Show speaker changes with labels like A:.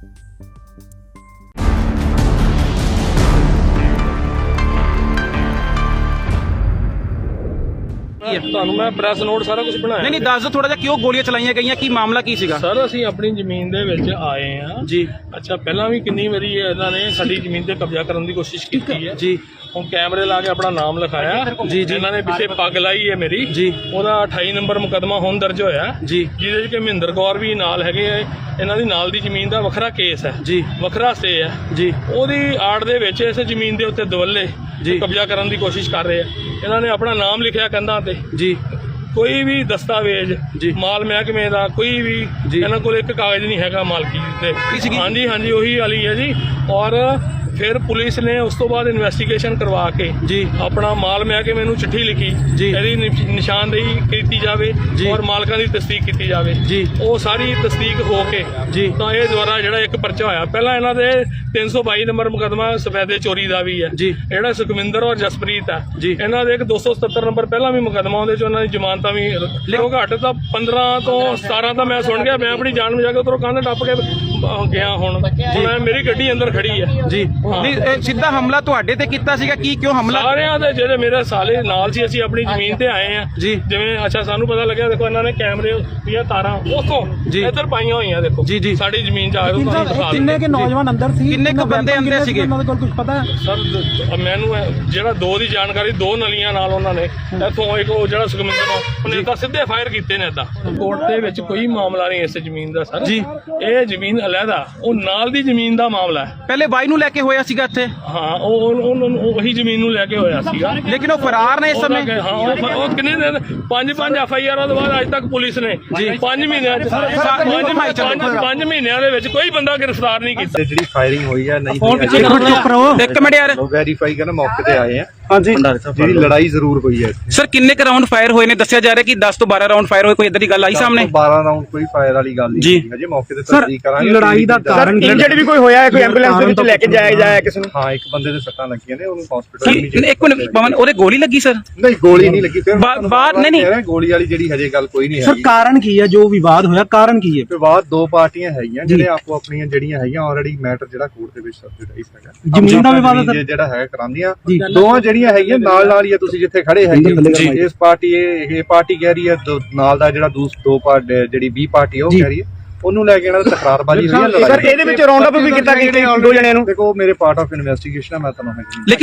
A: ਤੁਹਾਨੂੰ ਮੈਂ press note ਸਾਰਾ ਕੁਝ ਬਣਾਇਆ।
B: ਨਹੀਂ ਦੱਸ ਦਿਓ ਥੋੜਾ ਜਿਹਾ ਕਿਉਂ ਗੋਲੀਆਂ ਚਲਾਈਆਂ ਗਈਆਂ, ਕੀ ਮਾਮਲਾ ਕੀ ਸੀਗਾ?
A: ਸਰ ਅਸੀਂ ਆਪਣੀ ਜ਼ਮੀਨ ਦੇ ਵਿੱਚ ਆਏ ਆ
B: ਜੀ।
A: ਅੱਛਾ ਪਹਿਲਾਂ ਵੀ ਕਿੰਨੀ ਵਾਰੀ ਇਹਨਾਂ ਨੇ ਸਾਡੀ ਜ਼ਮੀਨ ਤੇ ਕਬਜ਼ਾ ਕਰਨ ਦੀ ਕੋਸ਼ਿਸ਼ ਕੀਤੀ ਹੈ
B: ਜੀ।
A: ਹੁਣ ਕੈਮਰੇ ਲਾ ਕੇ ਆਪਣਾ ਨਾਮ ਲਿਖਾਇਆ
B: ਜੀ ਜੀ।
A: ਇਹਨਾਂ ਨੇ ਪਿੱਛੇ ਪੱਗ ਲਾਈ ਹੈ ਮੇਰੀ
B: ਜੀ।
A: ਉਹਦਾ 28 ਨੰਬਰ ਮੁਕੱਦਮਾ ਹੁਣ ਦਰਜ ਹੋਇਆ
B: ਜੀ।
A: ਜਿਹਦੇ 'ਚ ਕਿ ਮਹਿੰਦਰ ਕੌਰ ਵੀ ਨਾਲ ਹੈਗੇ ਆ। ਇਹਨਾਂ ਦੀ ਨਾਲ ਦੀ ਜ਼ਮੀਨ ਦਾ ਵੱਖਰਾ ਕੇਸ ਹੈ
B: ਜੀ,
A: ਵੱਖਰਾ ਸਟੇ ਹੈ
B: ਜੀ।
A: ਉਹਦੀ ਆੜ ਦੇ ਵਿੱਚ ਇਸ ਜ਼ਮੀਨ ਦੇ ਉੱਤੇ ਦਵੱਲੇ
B: ਜੀ
A: ਕਬਜ਼ਾ ਕਰਨ ਦੀ ਕੋਸ਼ਿਸ਼ ਕਰ ਰਹੇ ਆ। ਇਹਨਾਂ ਨੇ ਆਪਣਾ ਨਾਮ ਲਿਖਿਆ ਕੰਧਾਂ ਤੇ।
B: ਜੀ।
A: ਕੋਈ ਵੀ ਦਸਤਾਵੇਜ਼
B: ਜੀ।
A: ਮਾਲ ਮਹਿਕਮੇ ਦਾ ਕੋਈ ਵੀ ਇਹਨਾਂ ਕੋਲ ਇੱਕ ਕਾਗਜ਼ ਨਹੀਂ ਹੈਗਾ ਮਾਲਕੀ ਤੇ। ਹਾਂਜੀ ਹਾਂਜੀ ਉਹੀ ਵਾਲੀ ਹੈ ਜੀ। ਔਰ ਫਿਰ ਪੁਲਿਸ ਨੇ ਉਸ ਤੋਂ ਬਾਅਦ ਇਨਵੈਸਟੀਗੇਸ਼ਨ ਕਰਵਾ ਕੇ
B: ਜੀ
A: ਆਪਣਾ ਮਾਲ ਮਹਿਕਮੇ ਨੂੰ ਚਿੱਠੀ ਲਿਖੀ
B: ਜੀ
A: ਇਹਦੀ ਨਿਸ਼ਾਨਦੇਹੀ ਕੀਤੀ ਜਾਵੇ ਔਰ ਮਾਲਕਾਂ ਦੀ ਤਸਦੀਕ ਕੀਤੀ ਜਾਵੇ
B: ਜੀ।
A: ਉਹ ਸਾਰੀ ਤਸਦੀਕ ਹੋ ਕੇ
B: ਜੀ
A: ਤਾਂ ਇਹ ਦੁਆਰਾ ਜਿਹੜਾ ਇੱਕ ਪਰਚਾ ਹੋਇਆ। ਪਹਿਲਾਂ ਇਹਨਾਂ ਦੇ 322 ਨੰਬਰ ਮੁਕੱਦਮਾ ਸਫੈਦੇ ਚੋਰੀ ਦਾ ਵੀ ਹੈ
B: ਜੀ।
A: ਜਿਹੜਾ ਸੁਖਵਿੰਦਰ ਔਰ ਜਸਪ੍ਰੀਤ ਹੈ
B: ਜੀ।
A: ਇਹਨਾਂ ਦੇ ਇੱਕ 277 ਨੰਬਰ ਪਹਿਲਾਂ ਵੀ ਮੁਕੱਦਮਾ ਉਹਦੇ ਚ ਉਹਨਾਂ ਦੀ ਜ਼ਮਾਨਤਾਂ ਵੀ ਲਿਖੋ ਘੱਟ ਤਾਂ 15 ਤੋਂ 17 ਤਾਂ ਮੈਂ ਸੁਣ ਗਿਆ। ਮੈਂ ਆਪਣੀ ਜਾਨ ਬਚਾ ਕੇ ਉੱਧਰੋਂ ਕੰਧ ਟੱਪ ਕੇ ਗਿਆ। ਹੁਣ ਮੇਰੀ ਗੱਡੀ ਅੰਦਰ ਖੜੀ ਹੈ ਜੀ।
B: ਨਹੀਂ ਸਿੱਧਾ ਹਮਲਾ ਤੁਹਾਡੇ ਤੇ ਕੀਤਾ ਸੀਗਾ, ਕੀ ਕਿਉਂ ਹਮਲਾ?
A: ਸਾਰਿਆਂ ਦੇ ਜਿਹੜੇ ਮੇਰੇ ਸਾਲੇ ਨਾਲ ਸੀ ਅਸੀਂ ਆਪਣੀ ਜ਼ਮੀਨ ਤੇ ਆਏ ਆ ਜੀ। ਜਿਵੇਂ ਅੱਛਾ ਸਾਨੂੰ ਪਤਾ ਲੱਗਿਆ ਦੇਖੋ ਇਹਨਾਂ ਨੇ ਕੈਮਰੇ ਦੀਆਂ ਤਾਰਾਂ ਉਥੋਂ ਇੱਧਰ ਪਾਈਆਂ ਹੋਈਆਂ ਦੇਖੋ ਜੀ ਜੀ। ਸਾਡੀ ਜ਼ਮੀਨ ਚ ਆ ਕੇ
C: ਕਿੰਨੇ ਕੇ ਨੌਜਵਾਨ ਅੰਦਰ ਸੀ,
B: ਕਿੰਨੇ ਕੁ ਬੰਦੇ ਅੰਦਰ ਸੀਗੇ
C: ਉਹਨਾਂ ਦੇ ਕੋਲ ਕੁਝ ਪਤਾ?
A: ਸਰ ਮੈਨੂੰ ਜਿਹੜਾ ਦੋ ਦੀ ਜਾਣਕਾਰੀ, ਦੋ ਨਲੀਆਂ ਨਾਲ ਉਹਨਾਂ ਨੇ ਇੱਥੋਂ ਇੱਕ ਉਹ ਜਿਹੜਾ ਸੁਖਮਿੰਦਰ ਉਹਨੇ ਤਾਂ ਸਿੱਧੇ ਫਾਇਰ ਕੀਤੇ ਨੇ। ਏਦਾਂ ਕੋਰਟ ਦੇ ਵਿੱਚ ਕੋਈ ਮਾਮਲਾ ਨਹੀਂ ਇਸ ਜ਼ਮੀਨ ਦਾ ਸਰ ਜੀ। ਇਹ ਜ਼ਮੀਨ ਅਲੱਗਾ, ਉਹ ਨਾਲ ਦੀ ਜ਼ਮੀਨ ਦਾ ਮਾਮਲਾ ਹੈ।
B: ਪਹਿਲੇ ਬਾਈ ਨੂੰ ਲੈ ਕੇ ਹੋਇਆ ਸੀਗਾ ਇੱਥੇ?
A: ਹਾਂ ਉਹੀ ਜ਼ਮੀਨ ਨੂੰ ਲੈ ਕੇ ਹੋਇਆ ਸੀਗਾ,
B: ਲੇਕਿਨ ਉਹ ਫਰਾਰ ਨੇ ਇਸ ਸਮੇਂ।
A: ਹਾਂ ਉਹ ਕਿੰਨੇ ਦਿਨ 5 ਐਫਆਈਆਰਾਂ ਤੋਂ ਬਾਅਦ ਅੱਜ ਤੱਕ ਪੁਲਿਸ ਨੇ 5 ਮਹੀਨਿਆਂ ਚ 5 ਮਹੀਨਿਆਂ ਦੇ ਵਿੱਚ ਕੋਈ ਬੰਦਾ ਗ੍ਰਿਫਤਾਰ ਨਹੀਂ ਕੀਤਾ।
D: ਜਿਹੜੀ ਫਾਇਰਿੰਗ ਹੋਈ ਹੈ ਨਹੀਂ
B: ਇੱਕ ਮਿੰਟ ਯਾਰ
D: ਵੈਰੀਫਾਈ ਕਰਨ ਮੌਕੇ ਤੇ ਆਏ ਆ।
B: ਹਾਂਜੀ
D: ਜਿਹੜੀ ਲੜਾਈ ਜ਼ਰੂਰ ਹੋਈ ਹੈ
B: ਸਰ। ਕਿੰਨੇ ਕ ਰਾਉਂਡ ਫਾਇਰ ਹੋਏ ਨੇ? ਦੱਸਿਆ ਜਾ ਰਿਹਾ ਕਿ 10 ਤੋਂ 12 ਰਾਉਂਡ ਫਾਇਰ ਹੋਏ, ਕੋਈ ਇਦਾਂ ਦੀ ਗੱਲ ਆਈ ਸਾਹਮਣੇ?
D: 12 ਰਾਉਂਡ ਕੋਈ ਫਾਇਰ ਵਾਲੀ ਗੱਲ ਨਹੀਂ ਹੈ ਜੀ। ਮੌਕੇ ਤੇ ਤਸਦੀਕ ਕਰਾਂਗੇ।
C: ਲੜਾਈ ਦਾ ਕਾਰਨ ਇੰਜਰਡ ਵੀ ਕੋਈ ਹੋਇਆ ਹੈ? ਕੋਈ ਐਂਬੂਲੈਂਸ ਦੇ ਵਿੱਚ ਲੈ ਕੇ ਜਾਇਆ ਕਿਸੇ ਨੂੰ?
D: ਹਾਂ ਇੱਕ ਬੰਦੇ ਦੇ ਸੱਟਾਂ ਲੱਗੀਆਂ ਨੇ, ਉਹਨੂੰ ਹਸਪੀਟਲ।
B: ਇੱਕ ਮਿੰਟ ਪਵਨ, ਉਹਦੇ ਗੋਲੀ ਲੱਗੀ ਸਰ?
D: ਨਹੀਂ ਗੋਲੀ ਨਹੀਂ ਲੱਗੀ। ਫਿਰ
B: ਬਾਹਰ ਨਹੀਂ
D: ਗੋਲੀ ਵਾਲੀ ਜਿਹੜੀ ਹਜੇ ਗੱਲ ਕੋਈ ਨਹੀਂ ਹੈ
C: ਸਰ। ਕਾਰਨ ਕੀ ਹੈ ਜੋ ਵਿਵਾਦ ਹੋਇਆ? ਕਾਰਨ ਕੀ ਹੈ?
D: ਵਿਵਾਦ ਦੋ ਪਾਰਟੀਆਂ ਹੈਗੀਆਂ ਜਿਹੜੇ ਆਪੋ ਆਪਣੀਆਂ ਜਿਹੜੀਆਂ ਹੈਗੀਆਂ ਆਲਰੇਡੀ ਮੈਟਰ ਜਿਹੜਾ ਕੋਰਟ ਦੇ ਵਿੱਚ ਸਬਜੈਕਟ ਹੈਗਾ।
C: ਜ਼ਮੀਨ ਦਾ ਵਿਵਾਦ
D: ਜਿਹੜਾ ਹੈਗਾ ਕਰਾਂਦੀਆਂ ਦੋਵਾਂ ਜਿਹੜੀਆਂ ਹੈਗੀਆਂ ਨਾਲ ਨਾਲ ਹੀ ਆ। ਤੁਸੀਂ ਜਿੱਥੇ ਖੜੇ ਹੈਗੇ ਇਸ ਪਾਰਟੀ ਇਹ ਪਾਰਟੀ ਕਹਿ ਰਹੀ ਹੈ ਨਾਲ ਦਾ ਜਿਹੜਾ ਦੋ ਪਾਰਟੀ ਜਿਹੜੀ B ਪਾਰਟੀ ਉਹ ਕਹਿ ਰਹੀ ਹੈ ਉਹਨੂੰ ਲੈ ਕੇ ਇਹਨਾਂ ਦੀ ਤਕਰਾਰਬਾਜ਼ੀ ਹੋਈ ਹੈ।
C: ਸਰ ਇਹਦੇ ਵਿੱਚ ਰਾਉਂਡ ਅਪ ਵੀ ਕੀਤਾ ਦੋ ਜਣਿਆਂ ਨੂੰ।
D: ਦੇਖੋ ਮੇਰੇ ਪਾਰਟ ਆਫ ਇਨਵੈਸਟੀਗੇਸ਼ਨ ਹੈ, ਮੈਂ ਤੁਹਾਨੂੰ